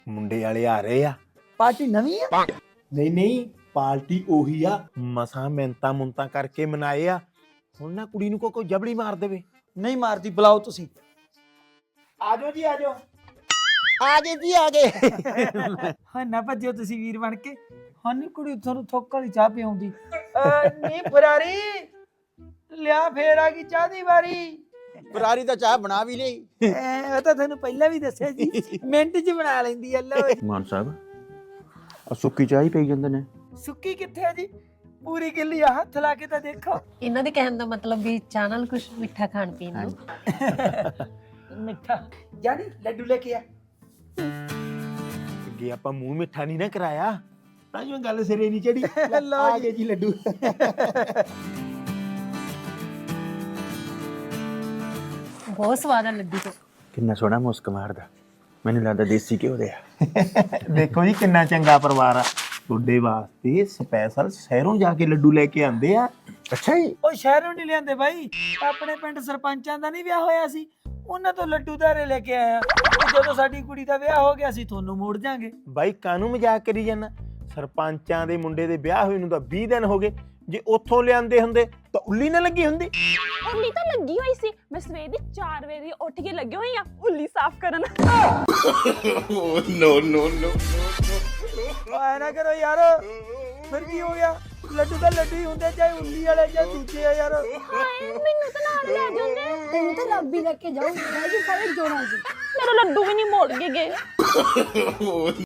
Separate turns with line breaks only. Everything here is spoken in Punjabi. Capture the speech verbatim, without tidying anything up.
ਮੁੰਡੇ ਵਾਲੇ ਆ ਰਹੇ ਆ।
ਪਾਰਟੀ ਨਵੀਂ ਆ?
ਨਹੀਂ ਨਹੀਂ, ਪਾਰਟੀ ਉਹੀ ਆ। ਮਸਾਂ ਮਿੰਤਾ ਮੁੰਤਾ ਕਰਕੇ ਮਨਾਏ ਆ। ਹੁਣ ਨਾ ਕੁੜੀ ਨੂੰ ਕੋਈ ਕੋਈ ਜਬੜੀ ਮਾਰ ਦੇਵੇ।
ਨਹੀਂ ਮਾਰਦੀ, ਬੁਲਾਓ ਤੁਸੀਂ।
ਆਜੋ ਜੀ ਆਜੋ।
ਆ ਗਏ ਜੀ ਆ ਗਏ। ਹਾਂ ਨਾ ਭੱਜਿਓ ਤੁਸੀਂ ਵੀਰ ਬਣ ਕੇ। ਹਾਂ ਨੀ ਕੁੜੀ ਤੁਹਾਨੂੰ ਥੋਕ ਵਾਲੀ ਚਾਹ ਪਿਆਉਂਦੀ। ਨਹੀਂ ਫਰਾਰੀ ਲਿਆ, ਫੇਰ ਆ ਗਈ ਚਾਹ ਦੀ ਵਾਰੀ।
ਫਰਾਰੀ ਤਾਂ ਚਾਹ ਬਣਾ ਵੀ ਲਈ।
ਉਹ ਤਾਂ ਤੁਹਾਨੂੰ ਪਹਿਲਾਂ ਵੀ ਦੱਸਿਆ ਜੀ, ਮਿੰਟ 'ਚ ਬਣਾ ਲੈਂਦੀ ਆ। ਲਓ
ਮਾਨ ਸਾਹਿਬ ਆ ਸੁੱਕੀ ਚਾਹ ਹੀ ਪਈ ਜਾਂਦੇ ਨੇ।
ਸੁੱਕੀ ਕਿੱਥੇ ਆ ਜੀ? ਪੂਰੀ ਗਿੱਲੀ ਆ, ਹੱਥ ਲਾ ਕੇ ਤਾਂ ਦੇਖੋ।
ਇਹਨਾਂ ਦੇ ਕਹਿਣ ਦਾ ਮਤਲਬ ਵੀ ਚਾਹ ਨਾਲ ਕੁਝ ਮਿੱਠਾ ਖਾਣ ਪੀਣ ਨੂੰ।
ਮਿੱਠਾ ਜਾਨੀ ਲੱਡੂ ਲੈ ਕੇ ਆ।
ਅੱਗੇ ਆਪਾਂ ਮੂੰਹ ਮਿੱਠਾ ਨਹੀਂ ਨਾ ਕਰਾਇਆ, ਤਾਂ ਜੋ ਗੱਲ ਸਿਰੇ ਨਹੀਂ ਚੜੀ।
ਲਓ
ਆ ਗਏ ਜੀ ਲੱਡੂ।
ਬਹੁਤ ਸਵਾਦ ਆ ਲੱਡੂ ਤੋਂ।
ਕਿੰਨਾ ਸੋਹਣਾ ਮੁਸਕ ਮਾਰਦਾ, ਮੈਨੂੰ ਲੱਗਦਾ ਦੇਸੀ ਘਿਓ ਦੇ ਆ।
ਦੇਖੋ ਜੀ ਕਿੰਨਾ ਚੰਗਾ ਪਰਿਵਾਰ ਆ। ਤੁਹਾਡੇ ਵਾਸਤੇ ਸਪੈਸ਼ਲ ਸ਼ਹਿਰੋਂ ਜਾ ਕੇ ਲੱਡੂ ਲੈ ਕੇ ਆਂਦੇ ਆ।
ਅੱਛਾ ਜੀ।
ਉਹ ਸ਼ਹਿਰੋਂ ਨਹੀਂ ਲਿਆਂਦੇ ਬਾਈ, ਆਪਣੇ ਪਿੰਡ ਸਰਪੰਚਾਂ ਦਾ ਨਹੀਂ ਵਿਆਹ ਹੋਇਆ ਸੀ, ਉਹਨਾਂ ਤੋਂ ਲੱਡੂ ਧਾਰੇ ਲੈ ਕੇ ਆਇਆ। ਜਦੋਂ ਸਾਡੀ ਕੁੜੀ ਦਾ ਵਿਆਹ ਹੋ ਗਿਆ ਸੀ ਤੁਹਾਨੂੰ ਮੋੜ ਜਾਾਂਗੇ।
ਬਾਈ ਕਾਹਨੂੰ ਮਜ਼ਾਕ ਕਰੀ ਜਾਂਦਾ? ਸਰਪੰਚਾਂ ਦੇ ਮੁੰਡੇ ਦੇ ਵਿਆਹ ਹੋਏ ਨੂੰ ਤਾਂ ਵੀਹ ਦਿਨ ਹੋ ਗਏ। ਜੇ ਉੱਥੋਂ ਲਿਆਂਦੇ ਹੁੰਦੇ ਤਾਂ ਉੱਲੀ ਨਾ ਲੱਗੀ ਹੁੰਦੀ।
ਉੱਲੀ ਤਾਂ ਲੱਗੀ ਹੋਈ ਸੀ, ਮੈਂ ਸਵੇਰ ਦੀ ਚਾਰ ਵਜੇ ਦੀ ਉੱਠ ਕੇ ਲੱਗੀ ਹੋਈ ਆ ਉੱਲੀ ਸਾਫ਼ ਕਰਨ।
ਨੋ ਨੋ ਨੋ।
ਐ ਨਾ ਕਰੋ ਯਾਰ, ਫਿਰ ਕੀ ਹੋ ਗਿਆ? ਲੱਡੂ ਤਾਂ ਲੱਡੂ ਹੀ ਹੁੰਦੇ, ਚਾਹੇ ਉੱਲੀ ਵਾਲੇ ਜਾਂ ਦੂਜੇ ਆ ਯਾਰ।
ਹਾਏ ਮੈਨੂੰ ਤਾਂ ਨਾਲ ਲੈ ਜਾਂਦੇ,
ਤੈਨੂੰ ਤਾਂ ਰੱਬ ਹੀ ਲੈ ਕੇ ਜਾਊ। ਮੈਂ ਵੀ ਸਾਰੇ ਜੋੜਾਂ 'ਚ
ਮੇਰਾ ਲੱਡੂ ਵੀ ਨਹੀਂ ਮੋੜ ਕੇ ਗਏ।